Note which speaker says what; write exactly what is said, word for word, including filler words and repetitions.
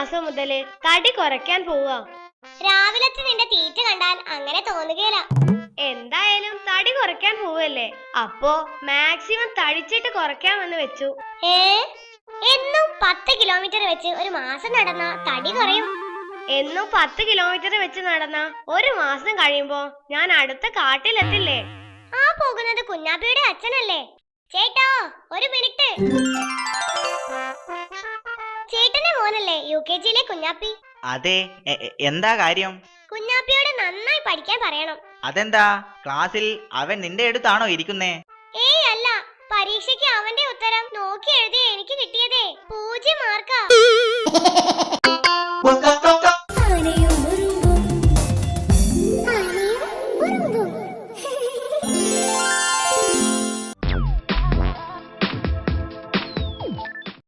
Speaker 1: മാസം മുതല് തടി കുറയ്ക്കാൻ പോവാ.
Speaker 2: രാവിലത്തെ നിന്റെ തീറ്റ കണ്ടാൽ അങ്ങനെ തോന്നുകയില്ല.
Speaker 1: എന്തായാലും തടി കുറയ്ക്കാൻ പോവല്ലേ, അപ്പോ മാക്സിമം തടിച്ചിട്ട് കുറയ്ക്കാമെന്ന് വെച്ചു.
Speaker 2: ഏ എന്നും പത്ത് കിലോമീറ്റർ വെച്ച് ഒരു മാസം നടന്ന തടി കുറയും.
Speaker 1: എന്നും പത്ത് കിലോമീറ്റർ വെച്ച് നടന്ന ഒരു മാസം കഴിയുമ്പോ ഞാൻ അടുത്ത കാട്ടിലെത്തില്ലേ?
Speaker 2: ആ പോകുന്നത് കുഞ്ഞാപ്പിയുടെ അച്ഛനല്ലേ? ചേട്ടോ ഒരു മിനിറ്റ്. ചേട്ടന്റെ മോനല്ലേ യു കെ ജിയിലെ കുഞ്ഞാപ്പി?
Speaker 3: അതെ, എന്താ കാര്യം?
Speaker 2: കുഞ്ഞാപ്പിയോട് നന്നായി പഠിക്കാൻ പറയണം.
Speaker 3: അതെന്താ, ക്ലാസ്സിൽ അവൻ നിന്റെ അടുത്താണോ ഇരിക്കുന്നേ?
Speaker 2: ഏയ് അല്ല, പരീക്ഷയ്ക്ക് അവന്റെ ഉത്തരം നോക്കി എഴുതി എനിക്ക് കിട്ടിയതേ പൂജ്യം മാർക്കാ.